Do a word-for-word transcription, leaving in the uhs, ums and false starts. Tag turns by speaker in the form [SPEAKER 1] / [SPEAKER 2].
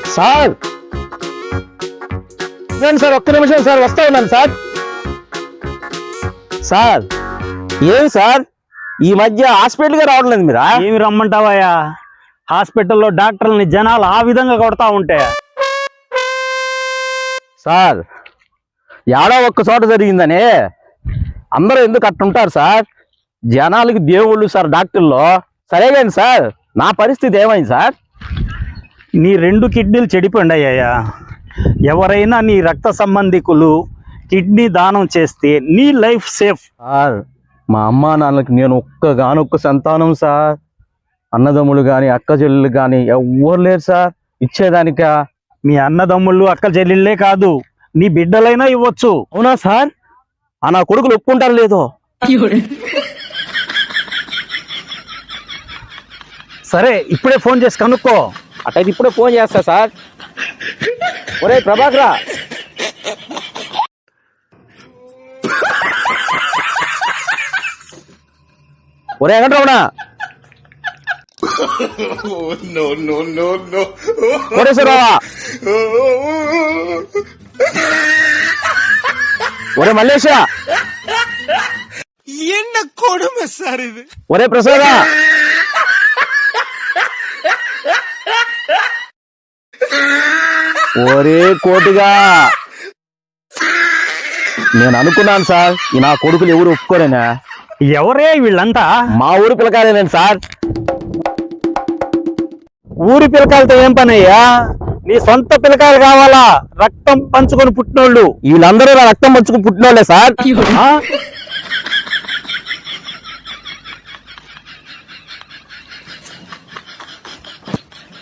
[SPEAKER 1] Sir నేను sir ఒక్క నిమిషం సార్ వస్తా ఉన్నాను సార్. సార్ ఏమి సార్ ఈ మధ్య హాస్పిటల్గా రావట్లేదు మీరా?
[SPEAKER 2] ఏమి రమ్మంటావయ్యా, హాస్పిటల్లో డాక్టర్లని జనాలు ఆ విధంగా కొడతా ఉంటే.
[SPEAKER 1] సార్ ఏడో ఒక్క చోట జరిగిందని అందరూ ఎందుకు అట్టుంటారు సార్? జనాలకి దేవుళ్ళు సార్ డాక్టర్లో. సరే కానీ సార్ నా పరిస్థితి ఏమైంది సార్?
[SPEAKER 2] నీ రెండు కిడ్నీలు చెడిపోయాయ్యా. ఎవరైనా నీ రక్త సంబంధికులు కిడ్నీ దానం చేస్తే నీ లైఫ్ సేఫ్.
[SPEAKER 1] సార్ మా అమ్మా నాన్నలకి నేను ఒక్కగానొక్క సంతానం సార్. అన్నదమ్ములు కానీ అక్క చెల్లెలు కానీ ఎవ్వరు లేరు సార్ ఇచ్చేదానిక.
[SPEAKER 2] మీ అన్నదమ్ముళ్ళు అక్క చెల్లెళ్ళే కాదు, నీ బిడ్డలైనా ఇవ్వచ్చు.
[SPEAKER 1] అవునా సార్? ఆ నా కొడుకులు ఒప్పుకుంటారు లేదో?
[SPEAKER 2] సరే ఇప్పుడే ఫోన్ చేసి కనుక్కో.
[SPEAKER 1] అటైతే ఇప్పుడే ఫోన్ చేస్తా సార్. ఒరే ప్రభాకరా, ఒరే వెంకటరమణ, కోటేశ్వరరావా, ఒరే మల్లేశ,
[SPEAKER 3] என்ன கொடுமை சார் இது.
[SPEAKER 1] ఒరే ప్రసాద, ఒరే కోటిగా. నేను అనుకున్నాను సార్ ఈ నా కొడుకులు ఎవరు ఒప్పుకోరేనా.
[SPEAKER 2] ఎవరే వీళ్ళంతా?
[SPEAKER 1] మా ఊరు పిల్లకాయలేనండి సార్.
[SPEAKER 2] ఊరి పిల్లకాయలతో ఏం పని అయ్యా? నీ సొంత పిల్లకాయలు కావాలా? రక్తం పంచుకొని పుట్టినోళ్ళు
[SPEAKER 1] వీళ్ళందరూ నా రక్తం పంచుకుని పుట్టినోళ్ళే సార్.